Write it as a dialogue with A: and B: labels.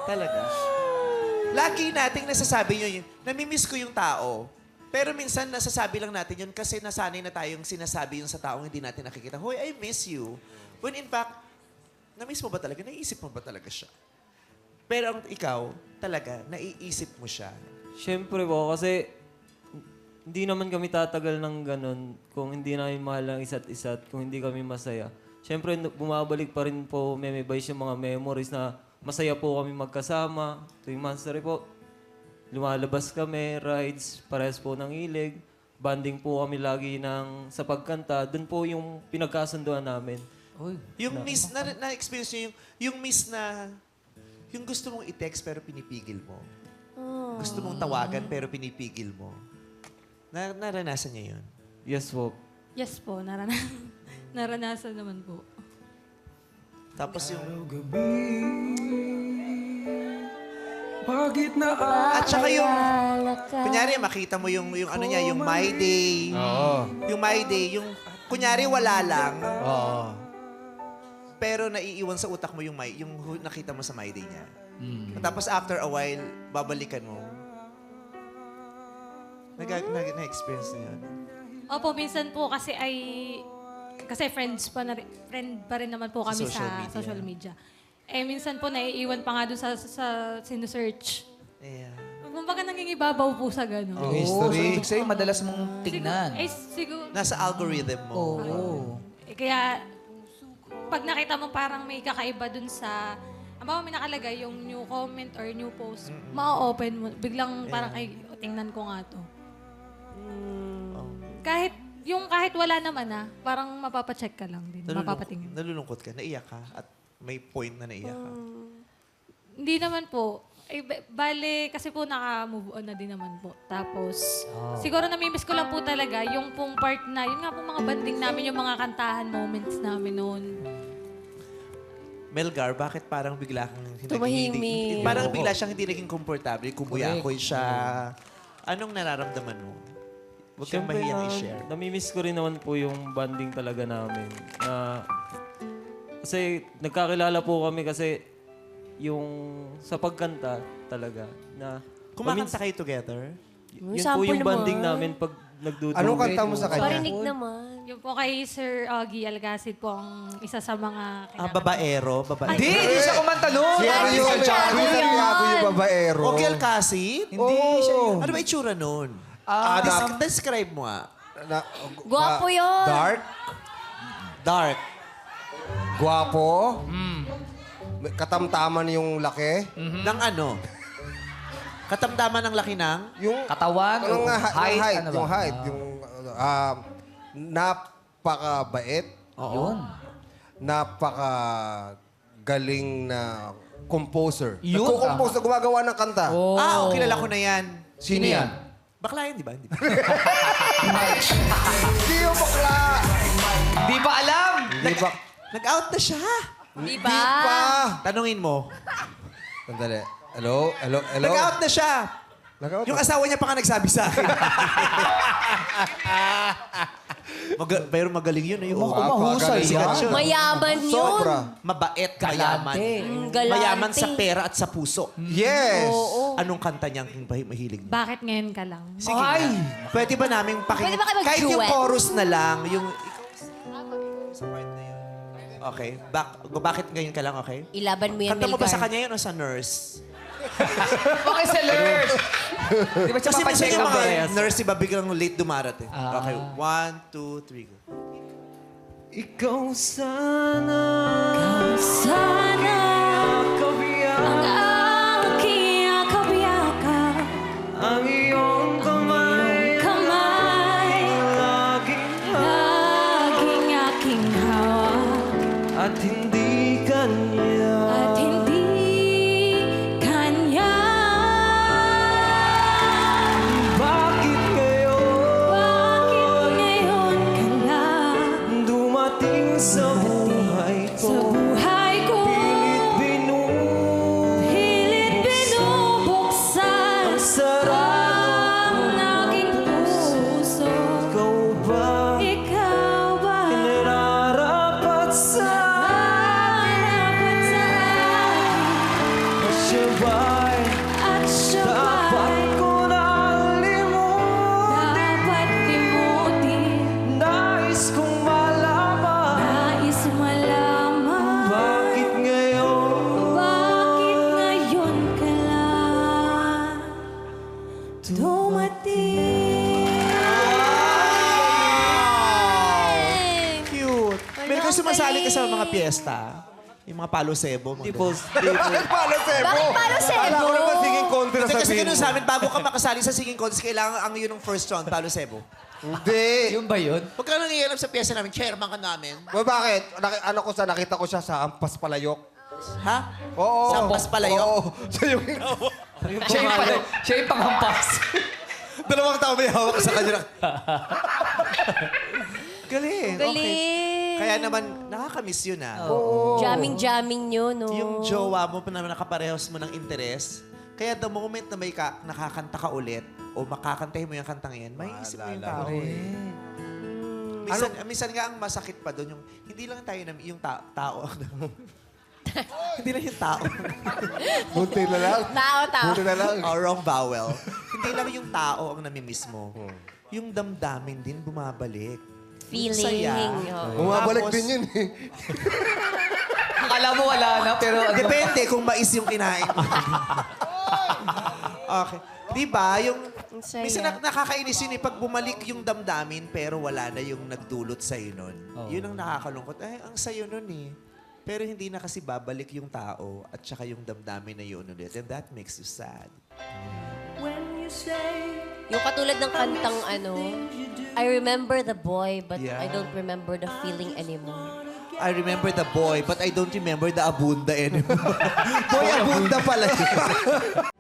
A: Talaga. Lagi nating nasasabi yun. Namimiss ko yung tao. Pero minsan nasasabi lang natin yun kasi nasanay na tayong sinasabi yun sa taong hindi natin nakikita. Hoy, I miss you. When in fact, na-miss mo ba talaga? Naiisip mo ba talaga siya? Pero ang ikaw, talaga, naiisip mo siya.
B: Siyempre po, kasi hindi naman kami tatagal ng ganun kung hindi namin mahal ang isa't isa at kung hindi kami masaya. Siyempre, bumabalik pa rin po, memorize yung mga memories na masaya po kami magkasama. Tuwing Monstery po, lumalabas kami, rides, parehas po ng hilig. Banding po kami lagi sa pagkanta. Doon po yung pinagkasunduan namin.
A: Yung miss, na-experience nyo yung miss na, yung gusto mong i-text pero pinipigil mo. Gusto mong tawagan pero pinipigil mo. Naranasan niya yun?
B: Yes po.
C: Yes po, naranasan naman po.
A: Tapos yung...
D: Bakit na
A: At saka yung... Kunyari, makita mo yung ano niya, yung My Day. Yung My Day, yung... Kunyari, wala lang. Pero naiiwan sa utak mo yung nakita mo sa My Day niya. Tapos after a while, babalikan mo. Na-experience na yun.
C: Opo, minsan po kasi friend pa rin naman po kami sa social media. Eh, minsan po naiiwan pa nga doon sa sinusearch.
A: Yeah.
C: Kumbaga nangingibabaw po sa gano'n.
E: Yung history. Ibig sabihin, madalas mong tignan.
C: Siguro,
A: Nasa algorithm mo.
C: kaya pag nakita mo parang may kakaiba dun sa, ang may nakalagay yung new comment or new post, ma-open mo. Biglang parang, ay, tingnan ko nga to. Kahit wala naman parang mapapacheck ka lang din, mapapatingin.
A: Nalulungkot ka, naiyak ka, at may point na naiyak ka.
C: Hindi naman po. Bale, kasi po naka-move on na din naman po. Tapos, siguro namimiss ko lang po talaga yung pong part na, yun nga po mga banding namin, yung mga kantahan moments namin noon.
A: Melgar, bakit parang bigla kang
F: Tumahimik.
A: parang bigla siyang hindi naging komportable, kumuyakoy siya. Anong nararamdaman mo? Huwag kang
B: Siyempre
A: mahiyang i-share.
B: namimiss ko rin naman po yung banding talaga namin. Kasi nagkakilala po kami kasi yung sa pagkanta talaga na
A: Kumakanta kayo together?
B: yun po
F: Sample
B: yung banding
F: naman.
B: namin pag nagdudugay.
G: Anong kanta mo sa kanya?
F: Parinig naman.
C: Yung po kay Sir Augie Algacid po ang isa sa mga
A: Babaero? Babaero?
E: Hindi siya kumanta nun.
G: Si ano yung Santiago yung babaero?
A: O Alcacid?
E: Hindi siya yun.
A: Ano ba itsura nun? Describe mo nga.
F: Gwapo yun.
G: Dark?
A: Dark.
G: Gwapo? May katamtaman yung laki?
A: Ng ano? Katamdaman ng laki ng?
G: Yung
E: Katawan,
G: Anong nga,
E: height, ano ba?
G: yung height. Yung napakabait.
E: Yun.
G: Napakagaling na composer.
E: Yun,
G: Nagko-compose na gumagawa ng kanta.
A: Kilala ko na yan.
G: Sino yan?
A: Bakla yan, di ba? Hindi ba?
G: Hindi yung bakla!
E: Di pa alam.
G: Hindi ba?
A: Nag-out na siya.
F: Di
G: Di
F: ba?
G: pa!
A: Tanungin mo.
G: Sandali. Hello? Hello? Hello?
A: Nag-out na siya.
G: Nag-out
A: Yung
G: na.
A: asawa niya pa nga nagsabi sa akin. Pero magaling yun. Eh.
E: Mahusay
A: Sikat
E: yan.
A: siya.
F: Mayaman yun.
G: Sobra.
A: Mabait, mayaman.
F: Galante.
A: Mayaman sa pera at sa puso.
G: Yes!
A: Anong kanta niyang mahilig mo?
C: Bakit ngayon ka lang?
A: Sige nga. Pwede ba namin pakinggan?
F: Pwede ba kayo mag-duet?
A: Kahit yung chorus na lang, yung... Sa part na yun. Okay. Bakit ngayon ka lang, okay?
F: Ilaban mo yan,
A: Kanta mo ba
F: Melgar.
A: sa kanya yun o sa nurse?
E: Okay, sellers. Di ba siya
A: Kasi minsan
E: papacheck
A: yung
E: up
A: mga
E: eh?
A: nurse, iba biglang late dumarating. Okay. 1, 2, 3, go.
B: Ikaw sana
C: Sana
B: kabiyak
C: ang aking kabiyaka,
B: ang iyong kamay
C: kamay,
B: laging
C: laging aking hawak,
B: at hindi kanya.
C: at hindi kanya.
B: Bakit
C: Bakit ngayon ka lang
B: dumating sa buhay
C: sa
B: ko?
C: buhay ko?
B: Pilit siya ba'y
C: At siya
B: dapat
C: ba'y
B: ko nang limutin?
C: dapat limutin?
B: Nais kong malaman
C: Nais malaman
B: bakit ngayon
C: bakit ngayon ka lang dumating?
A: Cute. Meron ka sumasali ka sa mga piyesta? Yung mga palo sebo.
B: Di
A: Mga
B: po, di po.
G: Bakit palo sebo?
F: Bakit palo sebo?
G: Kala ko naman singing contest na
A: Kasi
G: sabihin
A: ganun
G: mo.
A: sa amin, bago ka makasali sa singing contest, kailangan ang yun ng first round, palo sebo.
G: Hindi.
E: Yung ba yun?
A: Huwag ka nangialam sa piyesta namin, chairman ka namin.
G: Bakit? Nakita ko siya sa Ampas Palayok.
A: Ha?
G: Oo.
A: Sa Ampas Palayok?
G: Oo. Siya yung...
E: Siya yung panghampas.
A: Dalawang tao may hawak sa kanya. Galing. Okay.
F: Galing.
A: Kaya naman, nakakamiss yun ah.
F: Jamming-jamming nyo, no?
A: Yung jowa mo pa naman nakaparehos mo ng interes. Kaya the moment na may nakakanta ka ulit o makakantahin mo yung kantang yan, may isip mo yung tao eh. Minsan nga ang masakit pa doon, yung hindi lang tayo na yung tao. Hindi lang yung tao.
G: Bunti na lang.
F: Tao.
G: Bunti na lang.
A: Oh, wrong vowel. Hindi lang yung tao ang namimiss mo. Yung damdamin din bumabalik.
F: Feeling.
A: Saya.
F: Oo.
G: Bumabalik
A: Tapos-
G: din yun eh.
E: Akala mo wala na, pero ano?
A: Depende kung mais yung kinain mo. Okay. Di ba? Yung,
F: Ang saya.
A: minsan nakakainis yun eh. Pag bumalik yung damdamin, pero wala na yung nagdulot sa'yo nun. Yun ang nakakalungkot. Ay, ang sayo nun eh. Pero hindi na kasi babalik yung tao at saka yung damdamin na yun ulit. And that makes you sad.
F: Yung katulad ng kantang I remember the boy, but
A: Yeah.
F: I don't remember the feeling anymore.
A: I remember the boy, but I don't remember the abunda anymore. Boy, abunda pala yun.